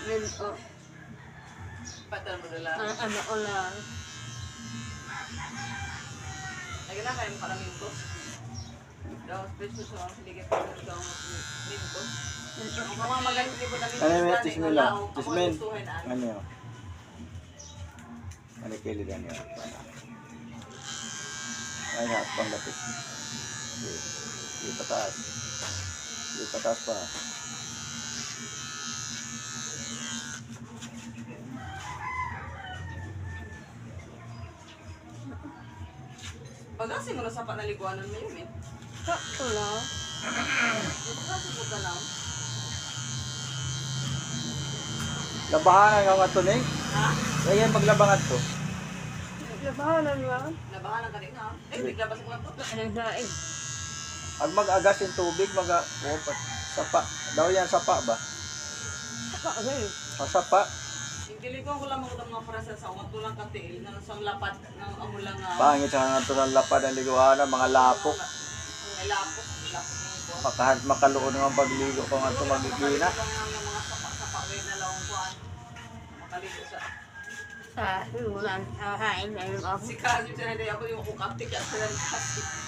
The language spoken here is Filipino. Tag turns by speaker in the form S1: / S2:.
S1: Minto.
S2: Patal mo dala.
S1: Ano ko lang.
S2: Lagi na kayo parang minto. Daw, special sa mga siligit ko daw minto. Ang mga magaling ko na minto.
S3: Ano yung tismila? Tismin? Ano yun? Ano yung kiligan yun? Ay, pang lapit. Di pataas. Di pataas pa.
S2: Pag-asin mo na sa panaliguanan mo yun eh.
S1: Sakto lang.
S2: Pag-asin mo ka lang.
S3: Labahanan ka nga ito, Ning.
S2: Ha?
S3: Kaya maglabangan to.
S1: Labahanan lang.
S2: Nabahalan ka rin ha? Eh, biglabas mo na to.
S1: Anong saing?
S3: Pag mag-agas yung tubig, sapa. Daw yan sapa ba?
S1: Sapa rin.
S3: Sapa.
S2: Intiliguan ko lang mga prasa sa umat tulang katil na sa lapad ng amulang
S3: Pangit sa nga ito ng lapad ang liguanan, mga lapok.
S2: May lapok. Lapok ng ito.
S3: Makaluon naman pagligo ko nga ito magigina.
S2: Mga sapa-sapa rin na lang kuhan. Makaligo sa...
S1: Sa hinulan. Sa hain na yung ako.
S2: Si Kasi siya na ako yung kukaptik at sa kasi.